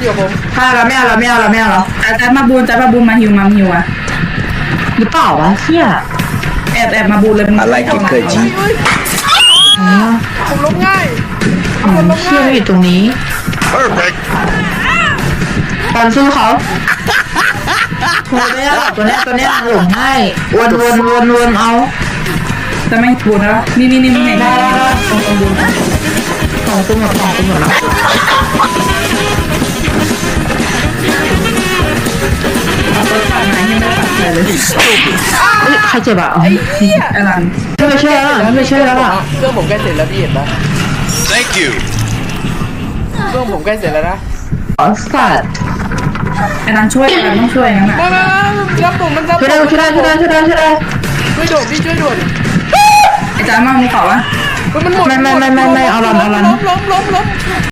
อยู่กับผมถ้าเราไม่เอาจัดมาบูนมาฮิวอ่ะหรือเปล่าวะเชี่ยแอบมาบูนเลยอะไรกินเคยจีอ๋อผมล้มง่ายเชี่ยไม่อยู่ตรงนี้ perfect ตอนสู้เขาโหไม่ได้หรอกตัวเนี้ยหลงง่ายวนเอาจะไม่บูนแล้วนี่มึงเห็นได้สองตัวหมดแล้วตัวขาดหายยังไม่ขาดเลยใครเจ็บอ่ะไอ้เหี้ยไอ้หลังไม่ใช่แล้วอ่ะเครื่องผมใกล้เสร็จแล้วพี่เห็นปะ thank you เครื่องผมใกล้เสร็จแล้วนะอ๋อสัตว์ไอ้หลังช่วยต้องช่วยงั้นอ่ะมารับผมมันรับช่วยได้ช่วยด่วนพี่ช่วยด่วนไอ้จ้ามามึงเปล่าวะมันหมดไม่เอารันล้ม